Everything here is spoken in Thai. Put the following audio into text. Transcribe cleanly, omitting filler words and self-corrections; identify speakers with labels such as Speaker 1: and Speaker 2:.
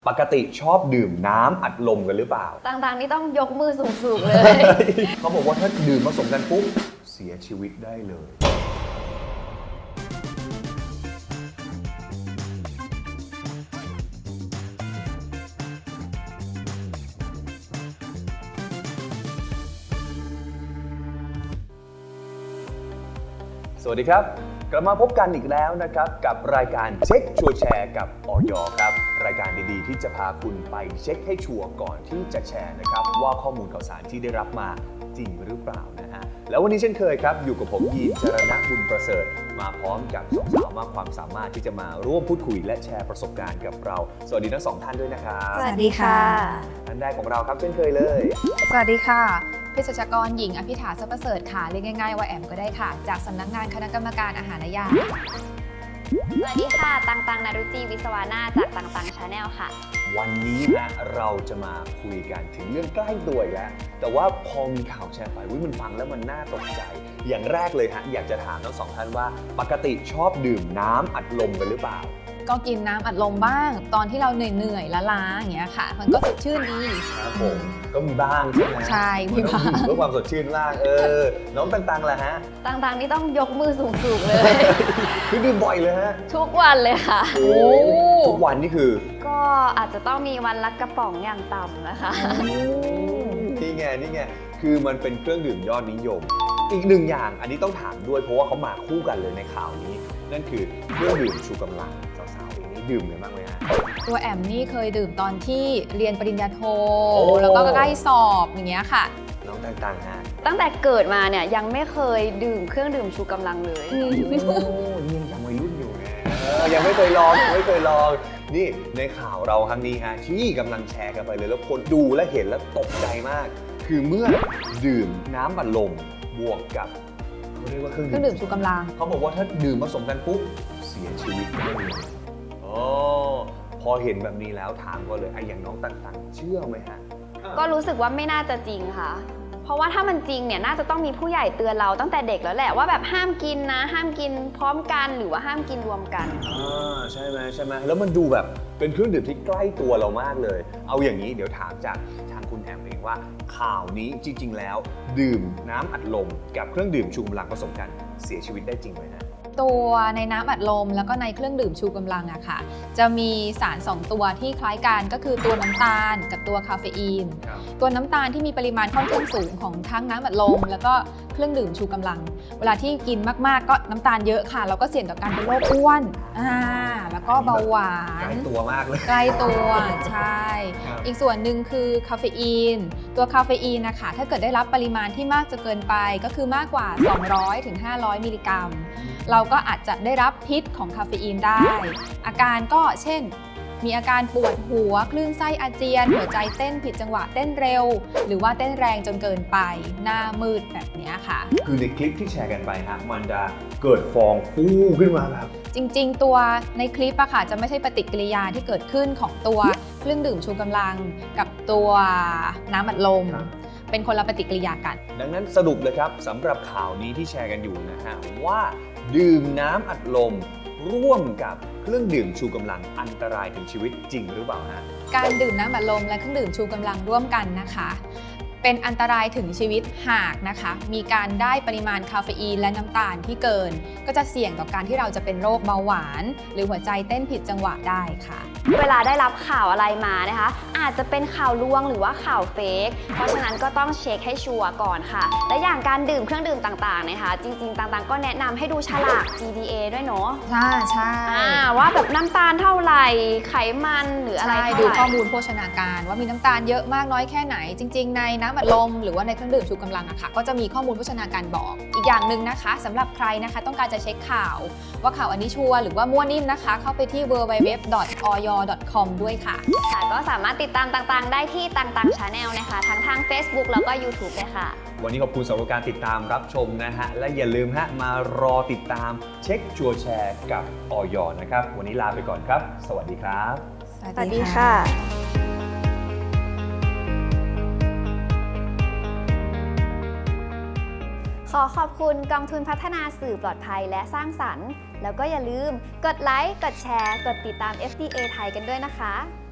Speaker 1: ปกติชอบดื่มน้ำอัดลมกันหรือเปล่า
Speaker 2: ต่างๆนี่ต้องยกมือสูงๆเลย
Speaker 1: เขาบอกว่าถ้าดื่มผสมกันปุ๊บเสียชีวิตได้เลย สวัสดีครับกลับมาพบกันอีกแล้วนะครับกับรายการเช็คชัวร์แชร์กับอย.ครับรายการดีๆที่จะพาคุณไปเช็คให้ชัวร์ก่อนที่จะแชร์นะครับว่าข้อมูลข่าวสารที่ได้รับมาจริงหรือเปล่านะฮะแล้ววันนี้เช่นเคยครับอยู่กับผมยีน จรณบุญประเสริฐมาพร้อมกับสองสาวมากความสามารถที่จะมาร่วมพูดคุยและแชร์ประสบการณ์กับเราสวัสดีทั้งสองท่านด้วยนะครับ
Speaker 2: สวัสดีค่ะ
Speaker 1: ท่านแรกของเราครับเช่นเคยเลย
Speaker 3: สวัสดีค่ะเภสัชกรหญิงอภิธาทรัพย์ประเสริฐค่ะเรียกง่ายๆว่าแอมก็ได้ค่ะจากสำนักงานคณะกรรมการอาหารและยา
Speaker 2: สวัสดีค่ะตังนารุจีวิศวานาจากตังชาแนลค่ะ
Speaker 1: วันนี้นะเราจะมาคุยกันถึงเรื่องใกล้ตัวอีกแล้วแต่ว่าพอมีข่าวแชร์ไปมันฟังแล้วมันน่าตกใจอย่างแรกเลยฮะอยากจะถามทั้งสองท่านว่าปกติชอบดื่มน้ำอัดลมกันหรือเปล่า
Speaker 3: ก็กินน้ำอัดลมบ้างตอนที่เราเหนื่อยๆล้าๆอย่างเงี้ยค่ะมันก็สดชื่นดี
Speaker 1: ครับผมก็มีบ้างใช่ไหม
Speaker 3: ใช่มีบ้าง
Speaker 1: นต้องดื่มเพื่อความสดชื่นบ้างน้องตังๆล่ะฮะ
Speaker 2: ต่างๆนี่ต้องยกมือสูงๆเลย
Speaker 1: คือดื่มบ่อยเลยฮะ
Speaker 2: ทุกวันเลยค่ะ
Speaker 1: โอ้ทุกวันนี่คือ
Speaker 2: ก็อาจจะต้องมีวันละกระป๋องอย่างต่ำนะคะ
Speaker 1: นี่ไงคือมันเป็นเครื่องดื่มยอดนิยม อีกหนึ่งอย่างอันนี้ต้องถามด้วยเพราะว่าเขามาคู่กันเลยในข่าวนี้ นั่นคือเครื่องดื่มชูกำลังสาวๆเองนี่ดื่มกันบ้างไหมฮะ
Speaker 3: ตัวแอมนี่เคยดื่มตอนที่เรียนปริญญาโท
Speaker 1: โอ้
Speaker 3: แล้วก็ใกล้สอบอย่างเงี้ยค่ะ
Speaker 1: น้องต่างๆฮะ
Speaker 2: ตั้งแต่เกิดมาเนี่ยยังไม่เคยดื่มเครื่องดื่มชูกำลังเลย
Speaker 1: โอ้นี่ยังวัยรุ่นอยู่นะยังไม่เคยลองนี่ในข่าวเราครั้งนี้ฮะที่กำลังแชร์กันไปเลยแล้วคนดูและเห็นแล้วตกใจมาก คือเมื่อดื่มน้ำอัดลมบวกกับเขาเรียกว่าเครื่อง
Speaker 3: เครื่องดื่มชูกำลัง
Speaker 1: เขาบอกว่าถ้าดื่มผสมกันปุ๊บเสียชีวิตได้เลยพอเห็นแบบนี้แล้วถามก็เลยอย่างน้องต่างๆเชื่อไหมฮะ
Speaker 2: ก็รู้สึกว่าไม่น่าจะจริงค่ะ เพราะว่าถ้ามันจริงเนี่ยน่าจะต้องมีผู้ใหญ่เตือนเราตั้งแต่เด็กแล้วแหละว่าแบบห้ามกินนะห้ามกินพร้อมกันหรือว่าห้ามกินรวมกัน
Speaker 1: ใช่ไหมแล้วมันดูแบบเป็นเครื่องดื่มที่ใกล้ตัวเรามากเลย เอาอย่างนี้เดี๋ยวถามจากทางคุณแอมเองว่าข่าวนี้จริงๆแล้วดื่มน้ำอัดลมกับเครื่องดื่มชูกำลังผสมกันเสียชีวิตได้จริงไหมฮะ
Speaker 3: ตัวในน้ำอัดลมแล้วก็ในเครื่องดื่มชูกำลังอะค่ะจะมีสาร2ตัวที่คล้ายกันก็คือตัวน้ำตาลกับตัวคาเฟอีน ตัวน้ำตาลที่มีปริมาณค่อนข้างสูงของทั้งน้ำอัดลมแล้วก็เครื่องดื่มชูกำลัง เวลาที่กินมากๆก็น้ำตาลเยอะค่ะเราก็เสี่ยงต่อการเป็นโรคอ้วนแล้วก็เบาหวาน
Speaker 1: ใกล้ตัวมากเลย
Speaker 3: ใกล้ตัวใช่
Speaker 1: ครับ
Speaker 3: อีกส่วนหนึ่งคือคาเฟอีนตัวคาเฟอีนนะคะถ้าเกิดได้รับปริมาณที่มากจนเกินไปก็คือมากกว่า200ถึง500มิลลิกรัมเราก็อาจจะได้รับพิษของคาเฟอีนได้ อาการก็เช่น มีอาการปวดหัวคลื่นไส้อาเจียน หัวใจเต้นผิดจังหวะเต้นเร็ว หรือว่าเต้นแรงจนเกินไป หน้ามืดแบบนี้ค่ะ
Speaker 1: คือในคลิปที่แชร์กันไปฮะมันจะเกิดฟองฟูขึ้นมาแบบ
Speaker 3: จริงๆ ตัวในคลิปอะค่ะจะไม่ใช่ปฏิกิริยาที่เกิดขึ้นของตัวเครื่องดื่มชูกำลังกับตัวน้ำอัดลม
Speaker 1: ครับ
Speaker 3: เป็นคนละปฏิกิริยากัน
Speaker 1: ดังนั้นสรุปเลยครับสำหรับข่าวนี้ที่แชร์กันอยู่นะฮะว่าดื่มน้ำอัดลมร่วมกับเครื่องดื่มชูกำลังอันตรายถึงชีวิตจริงหรือเปล่าฮะ
Speaker 3: การดื่มน้ำอัดลมและเครื่องดื่มชูกำลังร่วมกันนะคะ เป็นอันตรายถึงชีวิตหากนะคะ มีการได้ปริมาณคาเฟอีนและน้ำตาลที่เกิน ก็จะเสี่ยงต่อการที่เราจะเป็นโรคเบาหวาน หรือหัวใจเต้นผิดจังหวะได้ค่ะ
Speaker 2: เวลาได้รับข่าวอะไรมานะคะ อาจจะเป็นข่าวลวงหรือว่าข่าวเฟกเพราะฉะนั้นก็ต้องเช็คให้ชัวร์ก่อนค่ะ และอย่างการดื่มเครื่องดื่มต่างๆนะคะจริงๆต่างๆก็แนะนำให้ดูฉลาก GDA ด้วยเนาะ
Speaker 3: ใช่
Speaker 2: ว่าแบบน้ำตาลเท่าไหร่ไขมันหรืออะไร
Speaker 3: ใช่
Speaker 2: เท่า
Speaker 3: ดู
Speaker 2: ไหร่
Speaker 3: ข้อมูลโภชนาการว่ามีน้ำตาลเยอะมากน้อยแค่ไหน จริง ๆ ในน้ำอัดลมหรือว่าในเครื่องดื่มชูกำลังอะค่ะก็จะมีข้อมูลโภชนาการบอก อีกอย่างหนึ่งนะคะสำหรับใครนะคะต้องการจะเช็คข่าว ว่าข่าวอันนี้ชัวร์หรือว่ามั่วนิ่มนะคะ เข้าไปที่ www.oyo.com ด้วยค่ะ
Speaker 2: ค่ะก็สามารถติดตามต่างๆ ได้ที่ต่างๆ Channel นะคะทั้งทาง Facebook แล้วก็ YouTube เลยค่ะ
Speaker 1: วันนี้ขอบคุณสำหรับการติดตามรับชมนะฮะและอย่าลืมฮะมารอติดตามเช็คชัวร์แชร์กับอย.นะครับวันนี้ลาไปก่อนครับ สวัสดีครับ
Speaker 2: สวัสดีค่ะ ขอขอบคุณกองทุนพัฒนาสื่อปลอดภัยและสร้างสรรค์ แล้วก็อย่าลืมกดไลค์ กดแชร์ กดติดตาม FDA ไทยกันด้วยนะคะ